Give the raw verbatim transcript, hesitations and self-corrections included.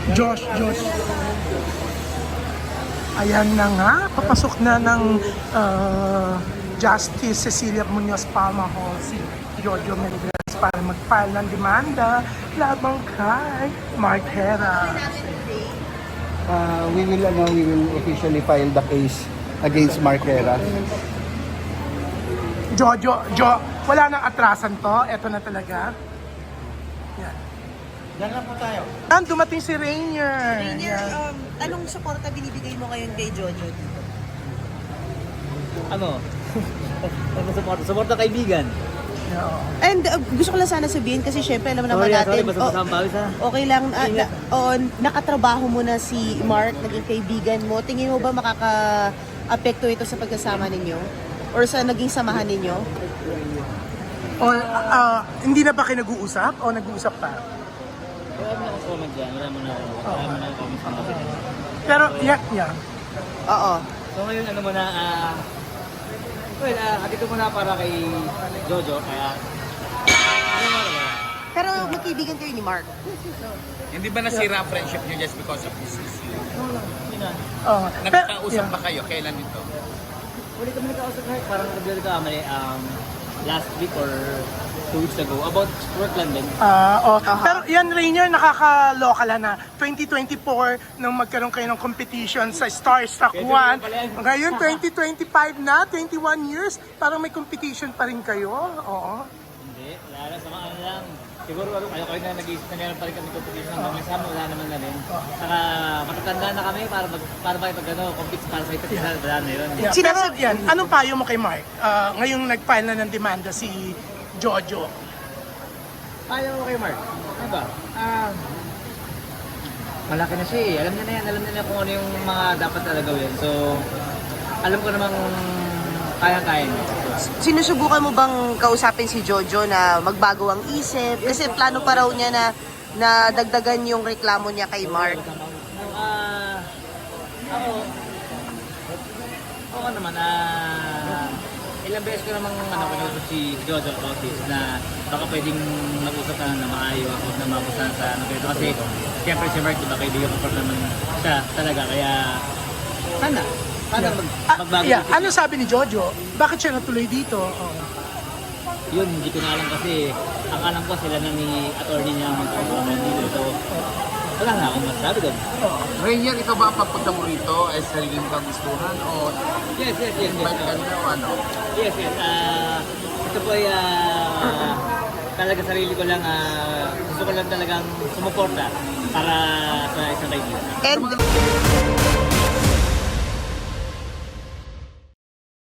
Josh, Josh. Ayan na nga, papasok na ng uh, Justice Cecilia Munoz Palma Hall si Jojo Melendres para mag-file ng demanda labang kay Mark Hera. Uh, we will ano, we will officially file the case against Mark Hera. Jojo, Jo, wala nang atrasan to. Ito na talaga. Yan. Yan lang po tayo. Yan, dumating si Rainier. Rainier, Yan. um, anong suporta binibigay mo ngayon kay Jojo? Ano? Ano suporta? Suporta kaibigan. Oo. And uh, gusto ko lang sana sabihin kasi syempre alam naman Sorry, natin. sorry, basta oh, masama pawis ha. okay lang, ah, Ingat. na, oh, nakatrabaho mo na si Mark, naging kaibigan mo. Tingin mo ba makaka-apekto ito sa pagkasama ninyo? Or sa naging samahan ninyo? Or, ah, hindi na ba kayo nag-uusap? O nag-uusap pa? Wala mo na akong comment dyan. Wala mo na ako. Wala mo na akong comment dyan. Pero, yan, yan. Oo. So ngayon, ano muna, ah... well, ah, uh, ko muna para kay Jojo, kaya... Ano mo na? Pero magkaibigan kayo ni Mark. Hindi ba nasira ang friendship niyo just because of this issue? Hindi na. Oh, Nagkakausap ba kayo? Kailan ito? Uli kami nagkausap kahit parang nag-deal ka kami um, last week or two weeks ago about work lang din. Ah, oh. Pero yan, Rainier, nakakaloka lang na twenty twenty-four nung magkaroon kayo ng competition sa Starstruck Pwede one. na pala yan. Ngayon, twenty twenty-five na, twenty-one years, parang may competition pa rin kayo. Oo. Hindi, wala lang, sama ano lang. Siguro ano, kayo kayo na nag-iisip na meron pa rin kami competition ng mga sama, wala naman na rin. Saka matatanda na kami para mag, para ba pag ano, compete para sa isa't isa, wala na yun. Yeah. Pero yan, anong payo mo kay Mark? Ah, ngayong nag-file na ng demanda si Jojo. Ayaw mo kay Mark. Ano ba? Ah, malaki na siya eh. Alam niya na yan. Alam niya na kung ano yung mga dapat na gawin. So, alam ko namang kaya-kaya niya. Sinusubukan mo bang kausapin si Jojo na magbago ang isip? Kasi plano pa raw niya na na dagdagan yung reklamo niya kay Mark. Ah, ako, ako naman, ah, ilang beses ko namang ano, kinausap si Jojo about this na baka pwedeng mag-usap na na maayos o na mabusan sa ano ganito. Kasi siyempre si Mark, diba, kaibigan ko pa naman siya talaga. Kaya sana, sana mag, Ah, magbago. yeah. yung- Ano sabi ni Jojo? Bakit siya natuloy dito? Oh. Yun, hindi ko na alam kasi ang alam ko sila na ni attorney niya magkakaroon dito. So, wala na akong masabi doon. Rainier, ikaw ba ang pagpunta mo rito ay sariling kagustuhan o Yes, yes, yes, yes. invite ka nila o ano? Yes, yes. Ah, ito po ay ah, talaga sarili ko lang, ah, gusto ko lang talagang sumuporta para sa isang kaibigan. And